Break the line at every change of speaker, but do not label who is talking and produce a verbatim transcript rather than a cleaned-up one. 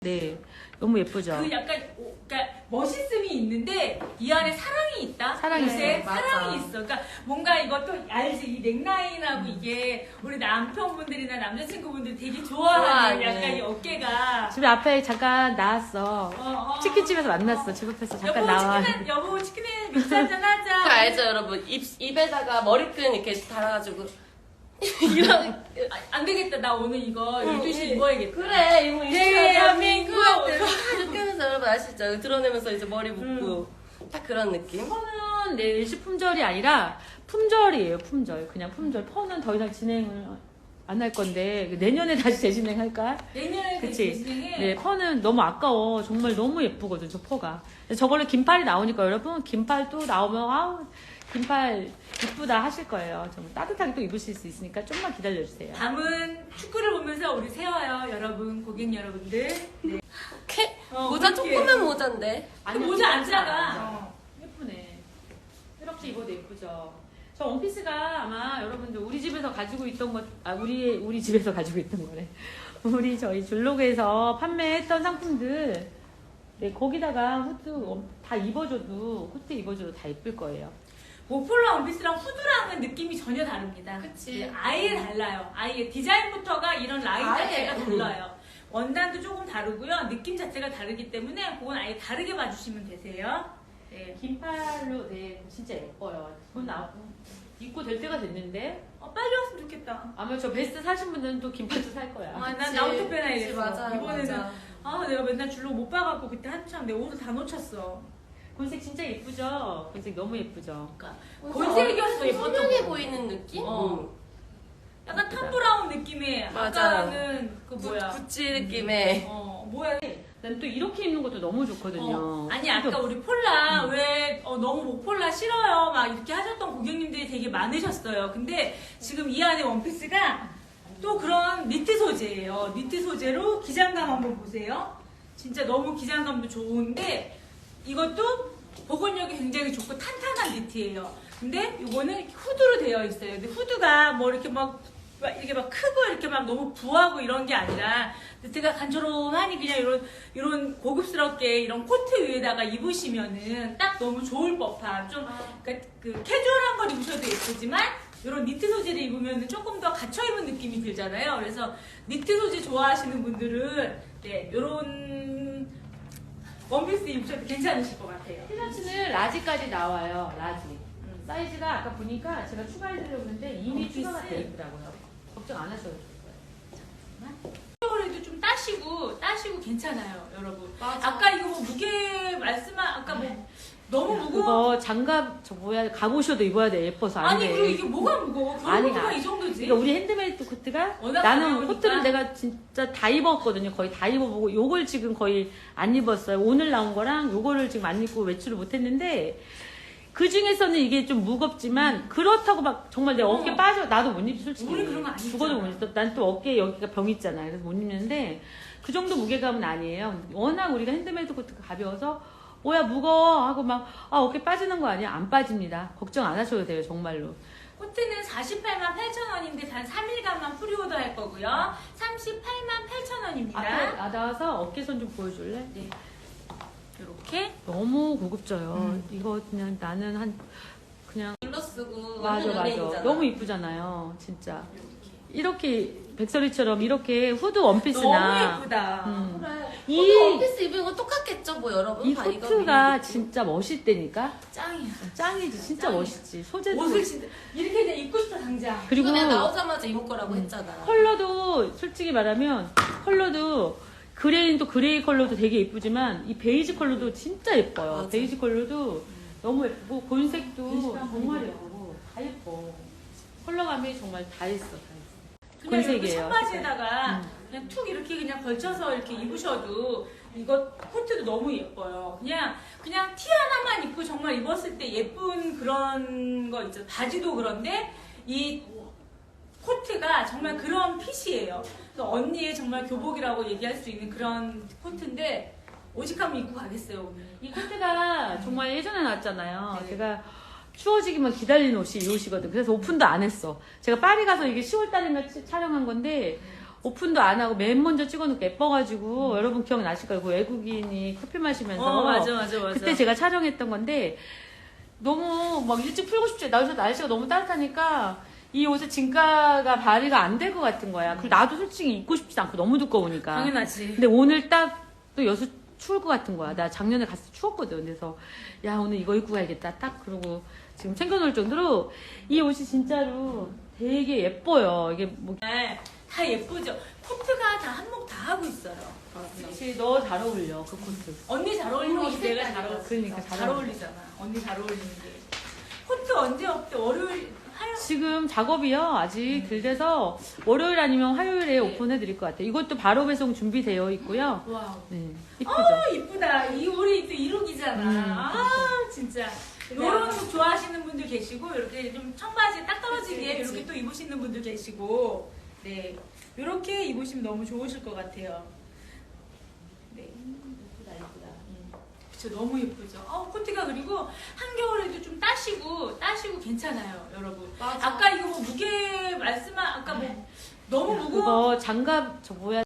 네, 너무 예쁘죠.
그 약간 오, 그러니까 멋있음이 있는데 이 안에 사랑이 있다.
사랑이
요새
있어요.
사랑이
맞아.
있어. 그러니까 뭔가 이것도 알지 이 넥라인하고 이게 우리 남편분들이나 남자친구분들 되게 좋아하는
좋아하네.
약간 이 어깨가.
집에 앞에 잠깐 나왔어.
어, 어,
치킨집에서 만났어. 집 앞에서 잠깐
여보
나와.
치킨 여보 치킨에 맥주 한잔 하자.
그 알죠 여러분 입, 입에다가 머리끈 이렇게 달아가지고 이런
아, 안 되겠다. 나 오늘 이거 열두 시
응,
입어야겠다.
그래 이거
대한민국.
이렇게 하면서 여러분 아시죠? 드러내면서 이제 머리 묶고 딱 그런 느낌.
퍼는 내 일시품절이 아니라 품절이에요. 품절. 그냥 품절. 퍼는 더 이상 진행을 안 할 건데 내년에 다시 재진행할까?
내년에
그치?
진행해.
네, 퍼는 너무 아까워. 정말 너무 예쁘거든, 저 퍼가. 저걸로 긴팔이 나오니까 여러분, 긴팔 또 나오면, 아우, 긴팔 이쁘다 하실 거예요. 정말 따뜻하게 또 입으실 수 있으니까 좀만 기다려주세요.
밤은 축구를 보면서 우리 세워요, 여러분, 고객 여러분들. 네.
캐,
어,
모자
그렇게.
조그만 모자인데.
그 모자 안 작아.
어, 예쁘네. 이렇게 입어도 예쁘죠. 저 원피스가 아마 여러분들 우리 집에서 가지고 있던 것, 아, 우리, 우리 집에서 가지고 있던 거래. 우리 저희 줄로그에서 판매했던 상품들, 네, 거기다가 후드 다 입어줘도, 후드 입어줘도 다 예쁠 거예요.
모폴라 원피스랑 후드랑은 느낌이 전혀 다릅니다.
그치.
네, 아예 달라요. 아예 디자인부터가 이런 라인
아예.
자체가 달라요. 원단도 조금 다르고요. 느낌 자체가 다르기 때문에 그건 아예 다르게 봐주시면 되세요. 네.
긴팔로, 네, 진짜 예뻐요. 그건 나, 입고 될 때가 됐는데,
어, 빨리 왔으면 좋겠다.
아마 저 베스트 사신 분들은 또 긴팔도 살 거야.
아, 난
그치.
나부터
그치,
빼놔야겠어.
맞아요,
이번에는
맞아.
아 내가 맨날 줄로 못 봐갖고 그때 한참 내 옷을 다 놓쳤어.
곤색 진짜 예쁘죠? 곤색 너무 예쁘죠?
그러니까 곤색이었어 예뻤던
선명해
거.
보이는 느낌?
어.
응.
약간 탐 브라운 느낌의
맞아.
아까는 그 뭐야?
구찌 느낌의.
어 뭐야?
난 또 이렇게 입는 것도 너무 좋거든요.
어, 아니 아까 우리 폴라 왜 어, 너무 목폴라 싫어요 막 이렇게 하셨던 고객님들이 되게 많으셨어요. 근데 지금 이 안에 원피스가 또 그런 니트 소재예요. 니트 소재로 기장감 한번 보세요. 진짜 너무 기장감도 좋은데 이것도 보건력이 굉장히 좋고 탄탄한 니트예요. 근데 이거는 후드로 되어 있어요. 근데 후드가 뭐 이렇게 막 막 이렇게 막 크고 이렇게 막 너무 부하고 이런 게 아니라 니트가 간절하니 그냥 이런 이런 고급스럽게 이런 코트 위에다가 입으시면은 딱 너무 좋을 법한 좀 그러니까 그 캐주얼한 걸 입으셔도 예쁘지만 이런 니트 소재를 입으면 조금 더 갇혀 입은 느낌이 들잖아요. 그래서 니트 소재 좋아하시는 분들은 네 이런 원피스 입으셔도 괜찮으실 것 같아요.
티셔츠는 라지까지 나와요. 라지. 음, 사이즈가 아까 보니까 제가 추가해드리려고 했는데 이미
원피스?
추가가 돼 있더라고요. 걱정 안 하셔도 될 거예요.
그래도 좀 따시고 따시고 괜찮아요, 여러분.
맞아.
아까 이거 뭐 무게 말씀한 아까 뭐 너무 무거워.
그거 장갑 저 뭐야 갑옷이어도 입어야 돼. 예뻐서 안
아니
돼.
그리고 이게 뭐가 무거워?
아니,
겨울코트가
아,
이 정도지.
그러니까 우리 핸드메이드 코트가
워낙
나는
가벼우니까.
코트를 내가 진짜 다 입었거든요. 거의 다 입어보고 요걸 지금 거의 안 입었어요. 오늘 나온 거랑 요거를 지금 안 입고 외출을 못했는데 그 중에서는 이게 좀 무겁지만 그렇다고 막 정말 내 어깨
어.
빠져 나도 못 입지 솔직히.
우리 그런 거안 입잖아.
죽어도 못 입어. 난 또 어깨에 여기가 병 있잖아요. 그래서 못 입는데 그 정도 무게감은 아니에요. 워낙 우리가 핸드메이드 코트가 가벼워서 뭐야 무거워 하고 막 아, 어깨 빠지는 거 아니야? 안 빠집니다. 걱정 안 하셔도 돼요 정말로.
코트는 사십팔만 팔천 원인데 단 삼 일간만 프리오더 할 거고요. 삼십팔만 팔천 원입니다.
앞에 나와서 어깨선 좀 보여줄래?
네. 이렇게
너무 고급져요.
음.
이거 그냥 나는 한 그냥
눌러 쓰고
맞아
완전
맞아.
연예인이잖아.
너무 이쁘잖아요. 진짜
이렇게.
이렇게 백설이처럼 이렇게 후드 원피스나
너무 예쁘다.
음.
그래.
이-
이 원피스 입은 거 똑같겠죠, 뭐 여러분.
이
다 이거
코트가
입는
진짜 멋있다니까.
짱이야.
짱이지 진짜
짱이야.
멋있지. 소재도
옷을 진짜 이렇게 그냥 입고 싶다 당장.
느낌.
그리고
이거 내가 나오자마자 입을 거라고
음.
했잖아.
컬러도 솔직히 말하면 컬러도 그레이도 그레이 컬러도 되게 예쁘지만 이 베이지 컬러도 진짜 예뻐요.
맞아.
베이지 컬러도 너무 예쁘고 곤색도
곤색도
정말 예쁘고 다 예뻐. 컬러감이 정말 다 있어. 다 있어.
그냥 이렇게
곤색이에요.
청바지에다가
음.
그냥 툭 이렇게 그냥 걸쳐서 이렇게 입으셔도 이거 코트도 너무 예뻐요. 그냥 그냥 티 하나만 입고 정말 입었을 때 예쁜 그런 거 있죠. 바지도 그런데 이 코트가 정말 그런 핏이에요. 그래서 언니의 정말 교복이라고 얘기할 수 있는 그런 코트인데 오직하면 입고 가겠어요 오늘.
이 코트가 정말 예전에 나왔잖아요.
네.
제가 추워지기만 기다리는 옷이 이 옷이거든. 그래서 오픈도 안 했어. 제가 파리 가서 이게 시월 달인가 촬영한 건데 오픈도 안 하고 맨 먼저 찍어놓고 예뻐가지고 여러분 기억나실 거예요. 그 외국인이 커피 마시면서
어, 맞아, 맞아, 맞아.
그때 제가 촬영했던 건데 너무 막 일찍 풀고 싶지. 날씨가 날씨가 너무 따뜻하니까 이 옷의 진가가 발휘가 안 될 것 같은 거야. 그리고 나도 솔직히 입고 싶지 않고 너무 두꺼우니까.
당연하지.
근데 오늘 딱 또 여수 추울 것 같은 거야. 나 작년에 갔을 때 추웠거든. 그래서 야 오늘 이거 입고 가야겠다. 딱 그러고 지금 챙겨놓을 정도로 이 옷이 진짜로 되게 예뻐요. 이게 뭐
네, 다 예쁘죠. 코트가 다 한몫 다 하고 있어요.
사실 너 잘 어울려 그 코트.
언니 잘 어울리는 게 내가 잘 어울려.
그러니까 잘
잘
어울려.
어울리잖아. 언니 잘 어울리는 게. 코트 언제 없대? 월요일, 화요일.
지금 작업이요 아직 덜 돼서 월요일 아니면 화요일에 오픈해 드릴 것 같아요. 이것도 바로 배송 준비되어 있고요.
와우.
네, 이쁘죠?
어, 이쁘다. 이 우리 또 이룩이잖아.
음,
아, 진짜. 이런 룩 좋아하시는 분들 계시고, 이렇게 좀 청바지 딱 떨어지게
그치, 그치.
이렇게 또 입으시는 분들 계시고, 네. 이렇게 입으시면 너무 좋으실 것 같아요. 네. 예쁘다, 예쁘다. 음. 그쵸, 너무 예쁘죠. 어, 코트가 그리고 한겨울에도 좀 따시고, 따시고 괜찮아요, 여러분.
맞아.
아까 이거 뭐 무게 말씀한, 아까 뭐 너무 무거워.
그거 장갑 저 뭐야